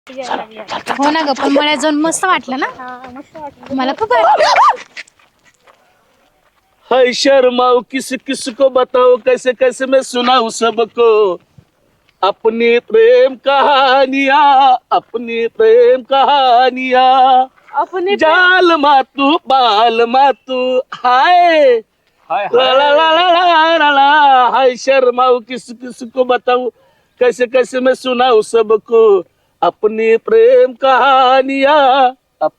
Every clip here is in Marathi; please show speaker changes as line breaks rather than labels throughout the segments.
हो ना ग, पण मला जाऊन मस्त वाटलं ना. मला खूप
हाय शर्माओ किस किस को बताओ कैसे कैसे मैं सुनाऊं सबको अपनी प्रेम कहानियां अपनी जाल मातू हाय ला ला ला ला ला ला ला हाय शर्माओ किस किस को बताऊं कैसे कैसे मैं सुनाऊं सबको अपनी प्रेम कहानियां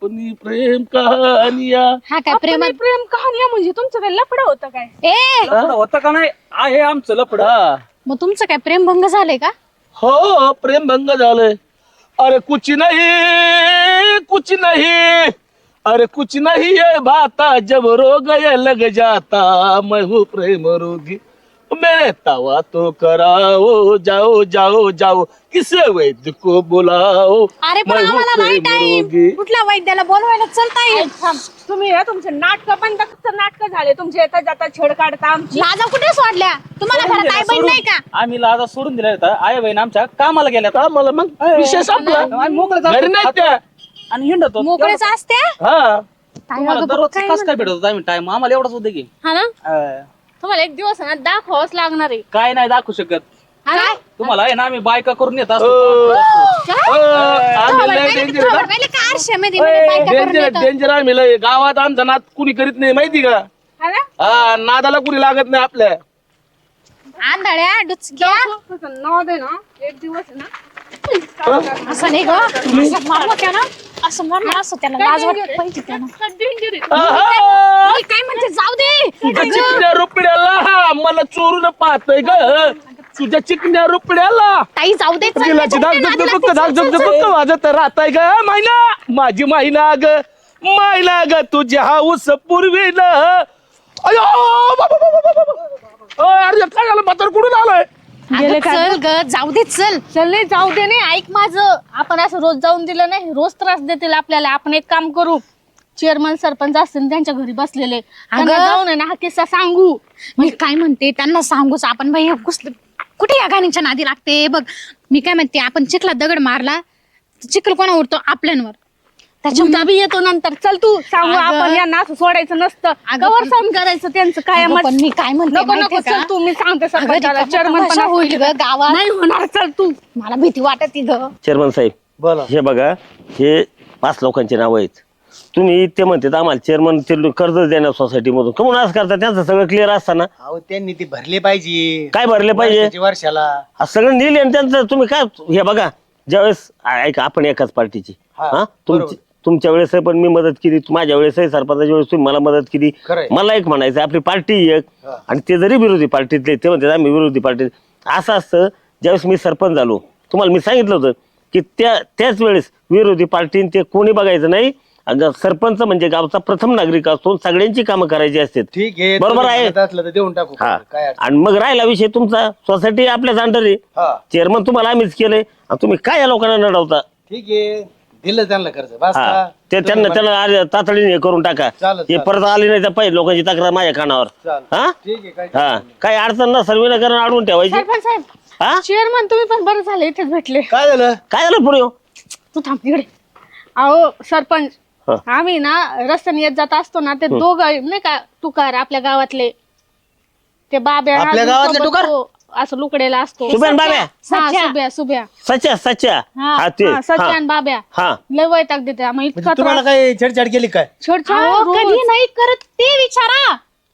हा काय
प्रेम कहाणी म्हणजे तुमचं काय लफडं होतं काय?
होतं का नाही आहे आमचं लफड.
मग तुमचं काय प्रेमभंग झालंय का?
हो प्रेम भंग झालंय. अरे कुछ नहीं अरे कुछ नहीं ये भाता जब रोग ये लग जाता मैं हूँ प्रेम रोगी मेरे तवा तो कराओ जाओ जाओ जाओ किसे वैद्य को बुलाओ
अरे पण
मैं हूँ
आम्हाला नाही
प्रेम
टाइम.
रोगी.
कुठल्या वैद्याला बोलवायला चलता येईल?
तुम्ही ना तुमचे नाटक बंद नाटक झाले तुमचे येता जाता छेड काढता आमची.
लाजा कुठे सोडल्या तुम्हाला? घरात आई बहीण नाही का?
आम्ही लाजा सोडून दिल्या होता. आई बहीण आमच्या कामाला गेल्या
का मला मग विषय संपला
आम्ही मोकळे
घरी नाही
जातो
त्या
आणि हिंडतो.
मोकळेच असते.
हा
तुम्हाला दररोज कसं काय भेटत होता आम्ही टाइम आम्हाला एवढाच होते की
हा ना तुम्हाला एक दिवस ना दाखवावंच लागणार आहे.
काय नाही दाखवू शकत
काय?
तुम्हाला आहे ना आम्ही बायका करून येत
हो.
असतो.
आम्ही लय डेंजर आहे.
पहिले का आरशामध्ये म्हणजे बायका करून
डेंजर
येतं?
डेंजर आम्ही लय गावात आमचा नाद कुणी करीत नाही माहिती का?
हा ना
हा नादाला कुणी लागत नाही आपल्या.
आंधळ्या डुचक्या
नाव दे ना एक दिवस आहे ना
असं नाही ग. असं मारलं त्यानं, असं मारलं असं त्याला लाज वाटत पाहिजे त्यानं.
आहा!
मी काय म्हणते जाऊ दे.
तुझ्या चिकन्या रुपड्याला मला चोरून पाहतोय ग तुझ्या चिकन्या रुपड्याला
ताई जाऊ दे. चल,
दिलाची धाक
चल,
झक
चल,
धाक
चल,
झक
चल.
वाजत राहताय ग मायना माझी मायना ग तुझ्या हाऊस पूर्वीन अयो अरे काय झालं म्हातार कुठून आलोय
अगं, चल ग जाऊ दे. चल
चल नाही जाऊ दे नाही ऐक माझं आपण असं रोज जाऊन दिलं नाही रोज त्रास देतील आपल्याला. आपण एक काम करू चेअरमन सरपंच असतील त्यांच्या घरी बसलेले त्यांना जाऊन आहे ना हा किस्सा सांगू.
मी काय म्हणते त्यांना सांगूच आपण बाई कुठे या गाणीच्या नादी लागते बघ. मी काय म्हणते आपण चिखलात दगड मारला चिखल कोणा उडतो आपल्यांवर.
तुमचा बी येतो नंतर. चल तू सांगू
अगं.
आपण यांना असं सोडायचं नसतं.
अगं,
कवर सहन करायचं त्यांचं काय
अगं, पण मी काय म्हणते
नको नको
माहितीये का?
चल तू मी सांगते
अगं,
सरपंचाला
रिकामा
चेअरमन
तमाशा
पण
होईल ग गावात.
नाही होणार. चल तू
मला भीती वाटत ग.
चेअरमन साहेब
बोला
हे बघा हे 5 लोकांची नावं आहेत. तुम्ही ते म्हणते आम्हाला चेअरमन कर्ज देणार सोसायटीमधून कमून असं करता त्यांचं सगळं क्लिअर असताना
अहो त्यांनी ते भरले पाहिजे
काय भरले पाहिजे
वर्षाला
हा, सगळं नेले आणि त्यांचं तुम्ही काय हे बघा ज्यावेळेस ऐका आपण एकाच पार्टीची
हा,
तुमच्या वेळेस पण मी मदत केली माझ्या वेळेस सरपंचाच्या वेळेस तुम्ही मला मदत केली.
खरंय.
मला एक म्हणायचं आपली पार्टी एक आणि ते जरी विरोधी पार्टीतले ते म्हणतात आम्ही विरोधी पार्टीत असं असतं. ज्यावेळेस मी सरपंच झालो तुम्हाला मी सांगितलं होतं की त्याच वेळेस विरोधी पार्टीने ते कोणी बघायचं नाही. सरपंच म्हणजे गावचा प्रथम नागरिक असतो सगळ्यांची कामं करायची असतात.
ठीक आहे
बरोबर
तुम्ही
आहे.
म्हणत असलं तर देऊन टाकू
हा
काय अडचण
आणि मग राहिला विषय तुमचा सोसायटी आपल्याच अंडर आहे.
हा
चेअरमन तुम्हाला आम्हीच केलंय आणि तुम्ही काय या लोकांना नडवता.
ठीक आहे दिलं त्यांना कर्ज बस
हा
का?
ते
तुम्ही
त्यांना तातडीने हे करून टाका.
चालेल,
हे
चालेल.
परत आली नाही तर पाहिजे लोकांची तक्रार माझ्या कानावर.
चालेल.
हा
ठीक आहे काय
हा काही अडचण ना सर्व करून अडवून ठेवायची.
सरपंच साहेब
हा
चेअरमन तुम्ही पण बरं झालं इथेच भेटले.
काय झालं
काय झालं पुढे हो?
तू थांब इकडे. अहो सरपंच
हा.
आम्ही ना रस्त्याने येत जात असतो ना ते दोघं नाही का तुकार आपल्या गावातले ते बाब्या
आपल्या
अजून
गावातले
सोबत
तुकार?
तो असं लुकडेला असतो.
सुबेन बाब्या
हा, सुब्या
सच्या हा ते
सच्या
हा
आणि बाब्या
हा
लय वैताग देते आम्ही
म्हणजे
इतका
तुम्हाला काय छेडछाड केली काय
छेडछाड
अहो,
रोज.
कधी नाही करत ते विचारा.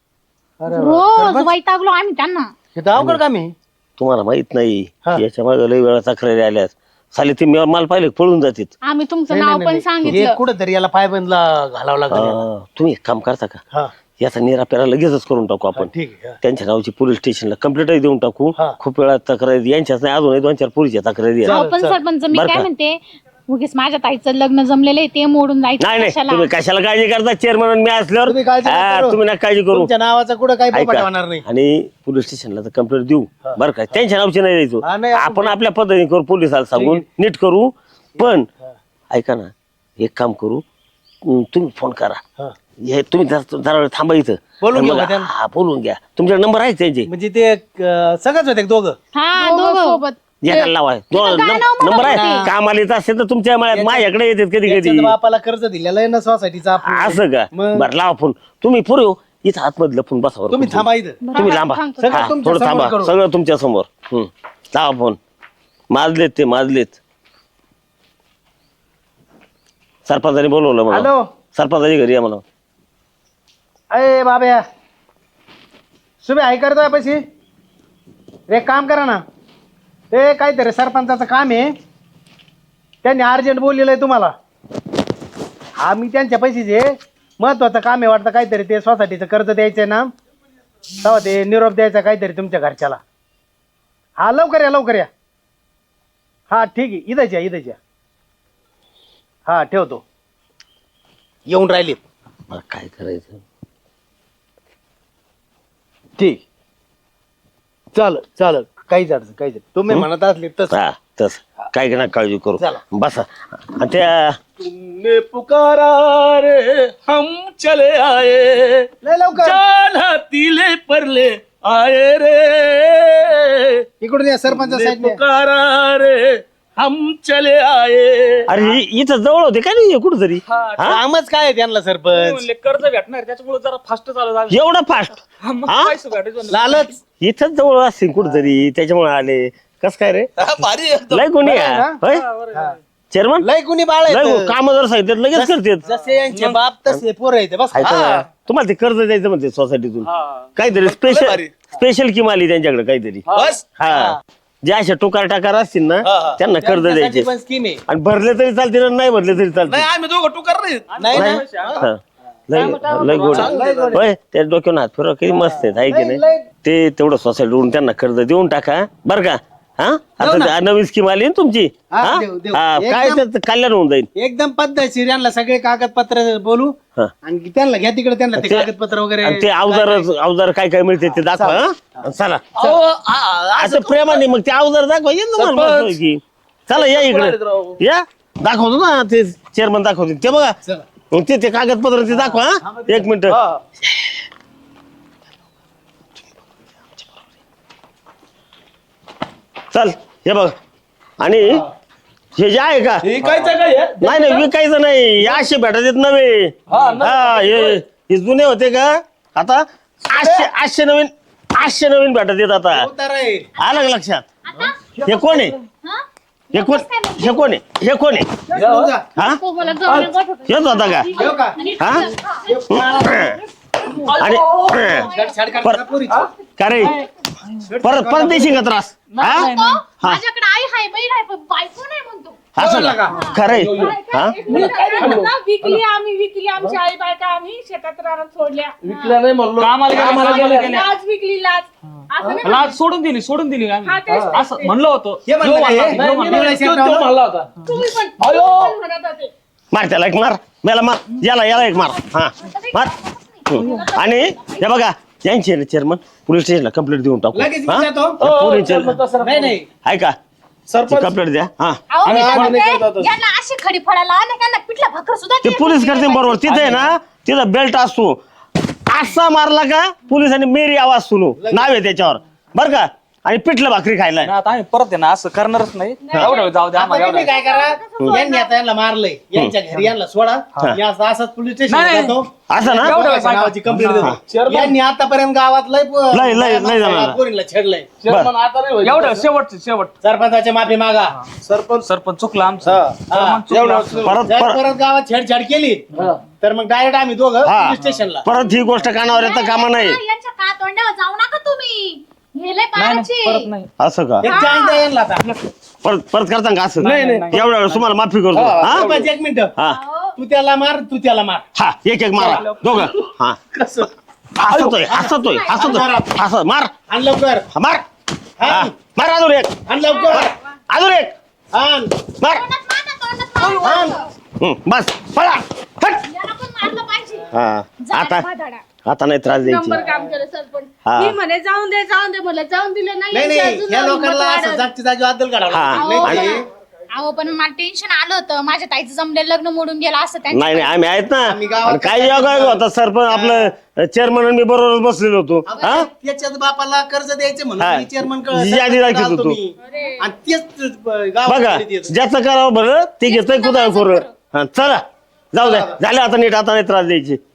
रोज वैतागलो आम्ही त्यांना.
हे तर अवघड काम आहे.
तुम्हाला माहित नाही
हा.
याच्या मागे लई वेळा तक्रारी आल्यास साले ते माल पाहिले पळून जातात.
आम्ही तुमचं
नाही,
नाव
नाही,
पण
नाही. हे
सांगितलं.
कुठंतरी याला पायबंदला घालावं लागेल याला.
तुम्ही एक काम करता का
हा
याचा निरापेरा लगेचच करून टाकू आपण.
ठीक आहे हा.
त्यांच्या नावाची पोलीस स्टेशनला कंप्लेंटही देऊन टाकू.
हा.
खूप वेळा तक्रारी यांच्याच नाही अजूनही 2-4 पोरीच्या तक्रारी आहेत.
हो, पण सरपंच मी
बरं
काय
का?
म्हणते उगीच माझ्या ताईचं लग्न जमलेलं आहे ते मोडून जायचं
नाही नाही
कशाला?
तुम्ही कशाला काळजी करता चेअरमन मी असल्यावर
तुम्ही काळजी नका
हा,
करू.
तुम्ही नका काळजी करू.
तुमच्या नावाचा कुठं काही पोपट
ऐका.
होणार नाही.
आणि पोलीस स्टेशनला तर कंप्लेंट देऊ बरं का त्यांच्या नावची नाही
हा,
द्यायचो
नाही,
आपण आपल्या पद्धतीने करू पोलिसाला सांगून नीट करू. पण ऐका ना एक काम करू तुम्ही फोन करा.
हा.
हे तुम्ही जरा वेळ थांबा इथं.
बोलून घेऊ
मग-
का त्यांना?
हा बोलून घ्या तुमचा नंबर आहे त्यांचे.
म्हणजे ते सगळंच होते दोघं
हा दोघं सोबत
एकाला लावा नंबर आहे कामाला येत असेल तर तुमच्या मळ्यात माझ्याकडे येतात कधी कधी
त्याच्या बापाला कर्ज दिलेलं आहे ना सोसायटीचा
असं का
मग?
बरं लावा फोन तुम्ही पुरे इथं आतमध्ये लपून बसा
तुम्ही थांबा इथं
तुम्ही लांबा
सगळं
हा,
तुमच्या
थोडं
समोर
थांबा
करू.
सगळं तुमच्या समोर लावा फोन माजलेत ते माजलेत सरपंचाने बोलवलं मला
हॅलो
सरपंचाच्या घरी या मला
अय बाब्या सुबे आई करतोय पैसे एक काम करा ना ते काहीतरी सरपंचाचं काम आहे त्यांनी अर्जंट बोललेलं आहे तुम्हाला हा मी त्यांच्या पैशाचे महत्वाचं काम आहे वाटतं काहीतरी ते सोसायटीचं कर्ज द्यायचंय ना तेव्हा ते निरोप द्यायचा काहीतरी तुमच्या घरच्याला हा लवकर या हा ठीक आहे इथंच या हा ठेवतो येऊन राहिलेत
मला काय करायचं
ठीक चाल काहीच अडचण तुम्ही म्हणत असले तसं
हा तस काय ना काळजी करू
चला.
बसा आणि त्या
तुमने पुकारा रे हम चले आए
लय लवकर
जाला तिले परले आए रे
इकडून या सरपंच
तुमने
साहेब
पुकारा रे हम चले आए
अरे इथं जवळ होते काय नाही कुठंतरी
कामच काय आहे त्यांना सरपंच
कर्ज भेटणार त्याच्यामुळे जरा फास्ट चालू झालं
एवढा फास्ट
मग
हा?
पैसे भेटायचे
लालच
इथंच जवळ असतील कुठंतरी त्याच्यामुळे आले कस काय रे
भारी एकदम.
लय कोणी
बरं आहे
होय चेअरमन
लय कुणी बाळ
लय काम जर सांगितलं लगेच करतात
जसे यांचे बाप तसे पोर आहेत बस
ऐका ना, तुम्हाला ते कर्ज द्यायचं म्हणते सोसायटीतून काहीतरी स्पेशल
भारी.
स्पेशल किम आली त्यांच्याकडे काहीतरी
बस
हा जे अशा टोकार टाकार असतील ना त्यांना कर्ज द्यायचे
पण स्कीम आहे
आणि भरले तरी चालते ना नाही भरले तरी चालते
नाही आम्ही दोघं टुकार नाही
नाही ना
हा. लय गोड होय त्या डोक्यावर हात फिरवा किती मस्त आहेत आहे की नाही ते तेवढं सोसायटीवरून त्यांना कर्ज देऊन टाका बरं का हा आता ते नवीन स्कीम आली ना तुमची
हा,
हा?
देऊ.
हा, काय
एकदम-
त्याचं कल्याण होऊन जाईल
एकदम पद्धतशीर यांना सगळे कागदपत्र बोलू
हा.
आणि त्यांना घ्या तिकडे त्यांना ते कागदपत्र वगैरे
आणि ते अवजार काय काय मिळते ते दाखवा हा? चला
अहो,
असं प्रेमाने मग ते अवजार दाखवा ये ना मला
सरपंच.
म्हणतोय की चला या इकडे या दाखवतो ना ते चेअरमन दाखवते ते बघा
चला.
मग ते कागदपत्र ते दाखवा हा? एक मिनिट चल हे बघ आणि हे जे आहे का
हे कायचं काय आहे?
नाही नाही विकायचं नाही या असे भेटत येत नव्हे हा हे जुने होते का आता 800 नवीन भेटत येत आता
उतार आहे.
आलं का लक्षात हे कोण आहे हे कोण आहे
घेऊन जा.
हा
तो मला जाऊन बसवतो.
हेच होता का
घेऊ का
हा आणि
छाड काढ
पर-
पोरीची.
का रे परत देशील का त्रास हा
माझ्याकडे आई हाय बहीण आहे पण बायको नाही म्हणतो
असं का खरंय हा
विकली आमची आई बायका आम्ही शेतात रानात सोडल्या
विकल्या नाही म्हणलो
कामाला गेले
लाज विकली लाज असं नाही
लाज सोडून दिली
हा,
आम्ही
तेच.
असं म्हणलं होतं
हे म्हणलं
यो
का हे?
म्हणला,
नाही,
यो
मी
म्हणला.
नाही, तो म्हणला होता
तुम्ही पण म्हणत होते.
मार त्याला एक मार मला मार याला एक मार हा मार आणि हे बघा यांचे चेअरमन पोलीस स्टेशनला कंप्लेंट देऊन टाकू
लगेच
हा?
विचारतो.
पोलीस
नाही
आहे का
सरपंच
कंप्लेंट द्या हा
अहो, मी काय
आम्ही
म्हणते,
नाही करत असं.
यांना अशी खडी फळाला आणि त्यांना पिठला भाकर सुद्धा
ते
देत
पोलीस
नाही.
करते बरोबर तिथे आहे ना तिथं बेल्ट असतो असा मारला का पोलिसांनी मेरी आवाज सुनू नाव आहे त्याच्यावर बर का आणि पिठलं भाकरी खायला
नाही, आता आम्ही परत आहे ना असं करणारच नाही एवढं जाऊ द्या आम्हाला
तुम्ही
एवढं
काय करा यांनी आता यांना मारलंय यांच्या घरी यांना सोडा या असंच पोलीस स्टेशन
नाही.
जातो
असं ना
नावाची कंप्लेंट देतो यांनी आतापर्यंत गावात
लय जणांना.
पोरीला छेडलंय
चेअरमन आता नाही होईल.
एवढं शेवट
सरपंचाची माफी मागा
सरपंच चुकला आमचं
हा.
सरपंच चुकला आमचं.
जर परत गावात छेडछाड केली तर मग डायरेक्ट आम्ही दोघं
हा.
पोलीस स्टेशनला
परत ही गोष्ट कानावर येतं कामा नाही
यांच्या का तोंडावर जाऊ नका तुम्ही हे लय पाराची.
परत नाही
असं का
एक चान्स द्या यांना आता
परत करता का असं
नाही.
एवढ्या वेळेस तुम्हाला माफी करतो हा
सरपंच, एक मिनिट
हा
तू त्याला मार तू त्याला मार
हा एक मारा दोघं हा
कसं
हसतोय असं मार
आण लवकर
हा, मार हा,
हा.
मार
आण लवकर
अजून एक
आण
मार
तोंडात मारा.
बस पळा हट
याला पण मारलं पाहिजे.
हा आता
भादाडा.
आता नाही त्रास
नंबर
द्यायची
काम केलं सरपंच
हा.
मी म्हणे जाऊन दे म्हणलं जाऊन दिलं
नाही
यांची
नाही
अजून
या
हिंमत
लोकांना असं
वाढत.
जागची जागी अद्दल काढावं
हा.
लागतं. नाही
आणि-
ते
अहो पण मला टेन्शन आलं होतं, माझ्या ताईचं जमलेलं लग्न मोडून गेलं असं त्यांच्या.
नाही नाही आम्ही आहेत
आम्ही
ना.
गावात
आणि काय योगा होता सरपंच आपलं चेअरमन मी बरोबर बसलेलो होतो. हा
त्याच्याच बापाला कर्ज द्यायचं
हा.
म्हणून चेअरमन
यादी दाखवत होतो.
आणि तेच
बघा
गावात
ज्याचं करावं बरं ते घेतोय कुठं करू. हा चला जाऊ द्या झालं आता नीट, आता नाही त्रास द्यायची.